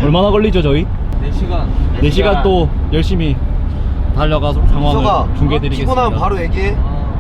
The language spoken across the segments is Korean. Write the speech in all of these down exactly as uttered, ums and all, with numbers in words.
얼마나 걸리죠 저희? 네 시간 네 시간 또 열심히 달려가서 상황을 중계해드리겠습니다. 피곤하면 바로 얘기해.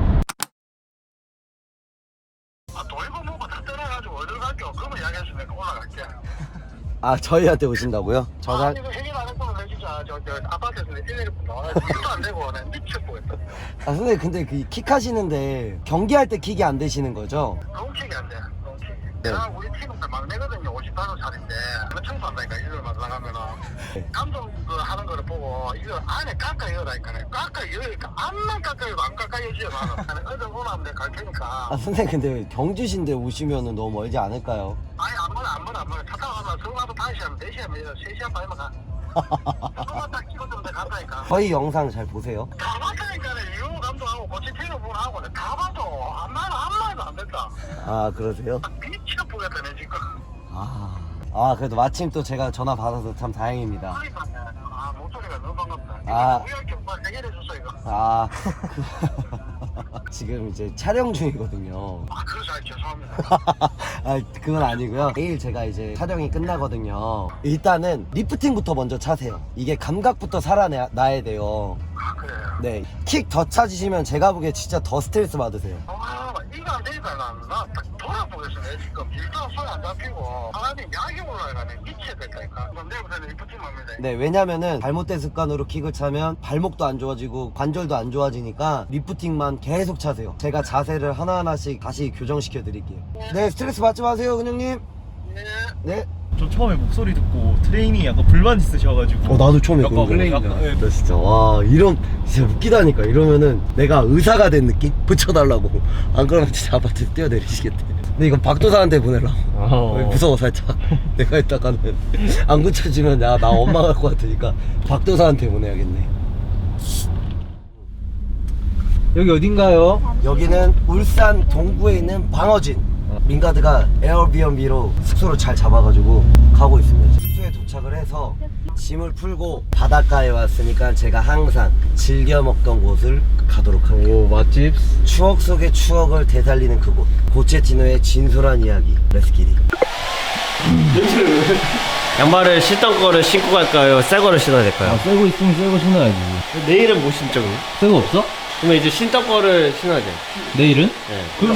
아, 돌고 뭐고 다 떠나가지고 어딜 갈게요. 그러면 이야기했으면 올라갈게. 아 저희한테 오신다고요? 저 사... 아, 이거 해결 안 했으면 내 진짜 저, 저 아파트에서 내 일일이 나와 일도 안 되고 내 미쳐보겠다. 아 선생님 근데 그 킥 하시는데 경기할 때 킥이 안 되시는 거죠? 롱킥이 안 돼. 롱킥. 네. 내가 우리 팀은 막내거든요. 오십팔 살인데 청소한다니까 일을 나가면은 네. 감독 그 하는 거를 보고 이거 안에 깎아 이어다니까 깎아 이어니까 안만 깎아 이어도 안 깎아 이어지요 나는. 어제 오라면 내가 갈 테니까. 아 선생님 근데 경주신데 오시면은 너무 멀지 않을까요? 아니 안 멀어 안 멀어 안 멀어. 차 타고 가면 서울가도 다섯 시간 네 시간 세 시간 반이면 가. 그거만 딱 찍어주면 돼 간다니까. 저희 영상 잘 보세요. 다 봤다니까는 이호 감독하고 고치티노 분하고 다 봐도 나는 아무 말도 안 됐다. 아 그러세요? 미쳐보겠다 내 지금. 아, 아 그래도 마침 또 제가 전화 받아서 참 다행입니다. 그러니까 아 목소리가 너무 반갑다. 아. 우리할 게 오빠 해결해줬어 이거. 아 그, 지금 이제 촬영 중이거든요. 아 그래서 아, 죄송합니다. 아 그건 아니고요. 내일 제가 이제 촬영이 끝나거든요. 일단은 리프팅부터 먼저 차세요. 이게 감각부터 살아나야 돼요. 아 그래요. 네, 킥 더 찾으시면 제가 보기에 진짜 더 스트레스 받으세요. 아 이거 안 되니까 나딱 돌아보겠어 내 지금 일단 손이 안 잡히고 사람이 약이 올라가네 미쳐야 될까니까. 그럼 내일부터는 리프팅 합니다. 네, 왜냐면은 잘못된 습관으로 킥을 차면 발목도 안 좋아지고 관절도 안 좋아지니까 리프팅만 계속 차세요. 제가 자세를 하나하나씩 다시 교정시켜 드릴게요. 네, 스트레스 받지 마세요, 근육님. 네. 네. 저 처음에 목소리 듣고 트레이닝이 약간 불만 있으셔가지고 어, 나도 처음에 약간 그런 거. 약간, 예. 나 진짜 와 이런 진짜 웃기다니까. 이러면은 내가 의사가 된 느낌? 붙여달라고. 안 그러면 진짜 아파트 뛰어내리시겠대. 근데 이건 박도사한테 보내려고. 어. 무서워 살짝. 내가 이따가는 안 고쳐지면 야, 나 엄마 갈 것 같으니까 박도사한테 보내야겠네. 여기 어딘가요? 여기는 울산 동구에 있는 방어진. 민가드가 에어비앤비로 숙소를 잘 잡아가지고 가고 있습니다. 숙소에 도착을 해서 짐을 풀고 바닷가에 왔으니까 제가 항상 즐겨 먹던 곳을 가도록 합니다. 오 맛집. 추억 속의 추억을 되살리는 그곳, 고체티노의 진솔한 이야기. 렛츠기리. 양말을 신던 거를 신고 갈까요? 새 거를 신어야 될까요? 아 새거 있으면 새거 신어야지. 내일은 못 신죠 그럼? 새거 없어? 그러면 이제 신던 거를 신어야 돼. 내일은? 네. 그럼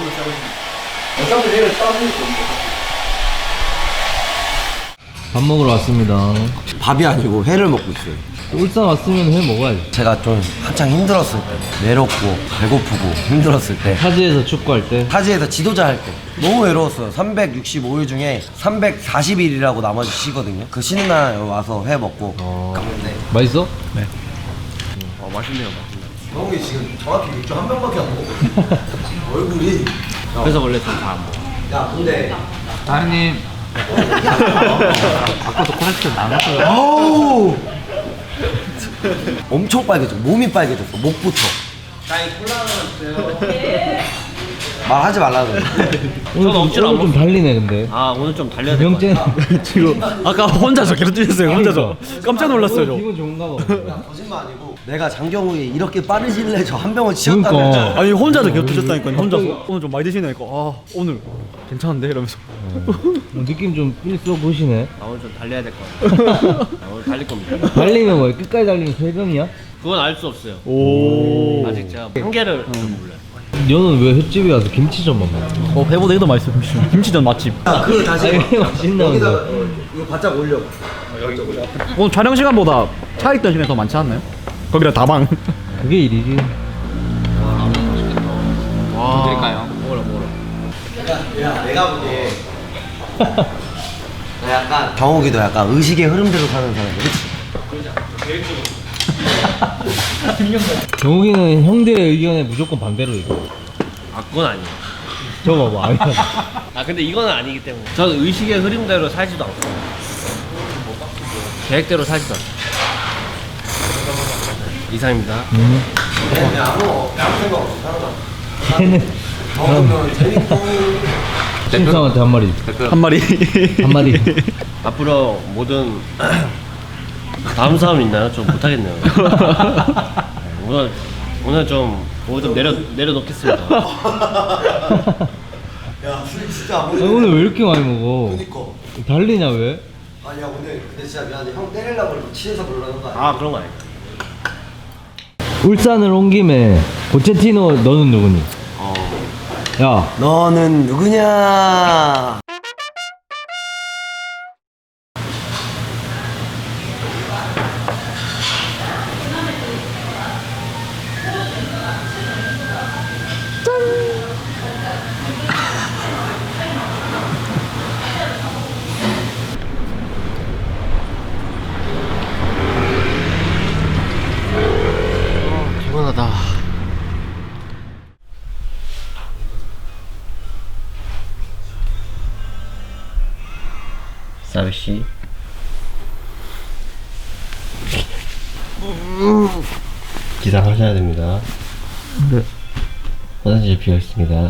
밥 먹으러 왔습니다. 밥이 아니고 회를 먹고 있어요. 울산 왔으면 회 먹어야지. 제가 좀 한창 힘들었을 때, 외롭고 배고프고 힘들었을 때, 타지에서 축구할 때. 타지에서 지도자 할 때 너무 외로웠어요. 삼백육십오 일 중에 삼백사십 일이라고 나머지 쉬거든요. 그 쉬는 날 와서 회 먹고 어... 갔는데 맛있어? 어 맛있네요 맛있네. 형이 지금 정확히 맥주 한 병밖에 안 먹어. 얼굴이. 그래서 원래 좀 다 안 먹어. 야 근데 다현님. 아까도 코렉션 나갔어요. 어우 엄청 빨개져. 몸이 빨개졌어. 목부터. 말하지 말라고. 오늘 좀, 억지로 안 오늘 좀 달리네 근데. 아 오늘 좀 달려야 될 것 병재. 같아. 지금 아까 혼자서 계속 뛰셨어요 혼자서. 깜짝 놀랐어요 저. 기분 좋은가 봐. 야, 거짓말 아니고 내가 장경우에 이렇게 빠르실래 저 한 병을 치웠다면 그러니까. 아니 혼자서 계속 드셨다니까요. 혼자서 오늘 좀 많이 드시니까 아 오늘 괜찮은데 이러면서 뭐 느낌 좀 일써 보시네. 아 오늘 좀 달려야 될 것 같아. 아, 오늘 달릴 겁니다. 달리면 뭐야? 끝까지 달리면 세 병이야? 그건 알 수 없어요. 오. 아직 제가 한계를 좀 몰라요. 너는 왜 횟집에 가서 김치전만 먹어? 어 배보다 이거 더 맛있어. 김치전. 김치전 맛집. 야 그거 다시 아니, 해봐. 맛있나 여기다가 본데. 어, 이거 바짝 올려. 오늘 촬영 시간보다 차 있던 시간이 더 많지 않나요? 거기다 다방. 그게 일이지. 와. 드릴까요? 먹어라 먹어라. 야 내가 보기에 너 약간 경욱이도 약간 의식의 흐름대로 사는 사람이야. 그치? 경욱이는 형들의 의견에 무조건 반대로 얘기해. 아 그건 아니에요. 저 봐봐. 아니야. 아 근데 이거는 아니기 때문에 저는 의식의 흐름대로 살지도 않고 계획대로 살지도 않고 이상입니다. 음. 그냥 아무 아무 생각 없이 사는 거야. 걔는 먹으면 재밌고. 신상한테 한 마리. 한 마리. 한 마리. 앞으로 모든 다음 사람 있나요? 좀 못하겠네요. 오늘 오늘 좀 오늘 좀 내려 내려놓겠습니다. 야 술 진짜 안 아니, 먹어. 오늘 왜 이렇게 많이 먹어? 그니까. 달리냐 왜? 아니야 오늘 근데 진짜 미안해 형 때리려고 그러고 치에서 그러는 거 아니야? 아 그런 거 아니야. 울산을 온 김에 포체티노 너는 누구니? 어. 야 너는 누구냐? 피곤하다. 사비씨 기상하셔야 됩니다. 네. 화장실 비어 있습니다.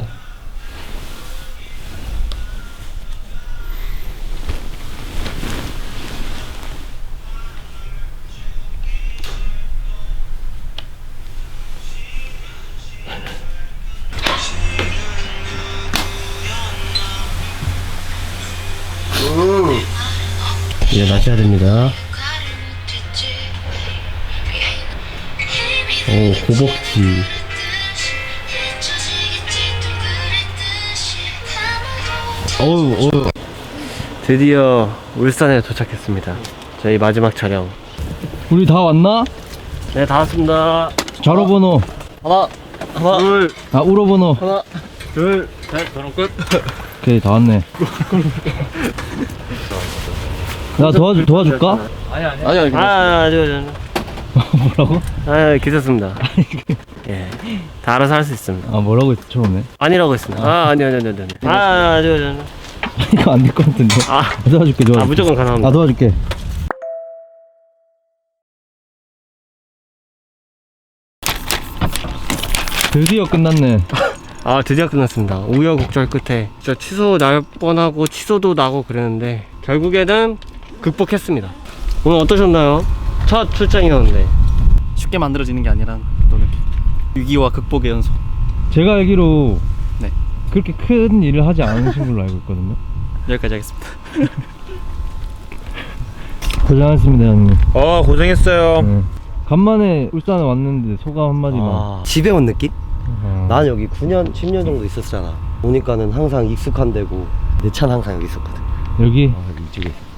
음. 일어나셔야 됩니다. 오, 고복지. 어우 어우. 드디어 울산에 도착했습니다. 저희 마지막 촬영. 우리 다 왔나? 네, 다 왔습니다. 좌로번호 하나, 하나, 둘, 아 우로번호 하나, 둘, 셋. 저런 끝. 오케이 다 왔네. 나 도와줄 도와줄까? 아니 아니. 아니 아니. 아, 아니 아니. 뭐라고? 아, 괜찮습니다. 예, 다 알아서 할 수 있습니다. 아 뭐라고 했어 처음에? 아니라고 했습니다. 아, 아니 아니 아니 아니. 아, 아니 아니 아니. 이거 안 될 것 같은데. 아, 도와줄게 도와줄게. 아 무조건 가능합니다. 아 도와줄게. 드디어 끝났네. 아, 드디어 끝났습니다. 우여곡절 끝에 진짜 취소 날 뻔하고 취소도 나고 그랬는데 결국에는 극복했습니다. 오늘 어떠셨나요? 첫 출장이었는데 쉽게 만들어지는 게 아니란 또 느낌. 위기와 극복의 연속. 제가 알기로 네. 그렇게 큰 일을 하지 않으신 걸로 알고 있거든요. 여기까지 하겠습니다. 고생하셨습니다 형님. 어 고생했어요. 네. 간만에 울산에 왔는데 소감 한마디만. 아, 집에 온 느낌? 어. 난 여기 구 년, 십 년 정도 있었잖아. 오니까는 항상 익숙한 데고 내 차는 항상 여기 있었거든. 여기 아, 여기 이쪽에 있어.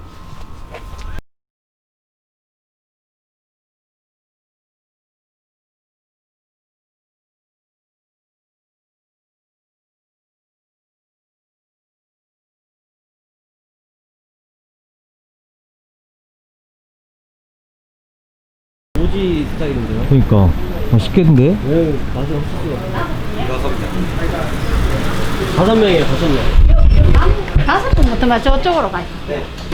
오지 스타일인데요? 그러니까 맛있겠는데? 네, 맛이 없었어요. 다섯 명이에요, 다섯 명. 다섯 분부터 저쪽으로 가요.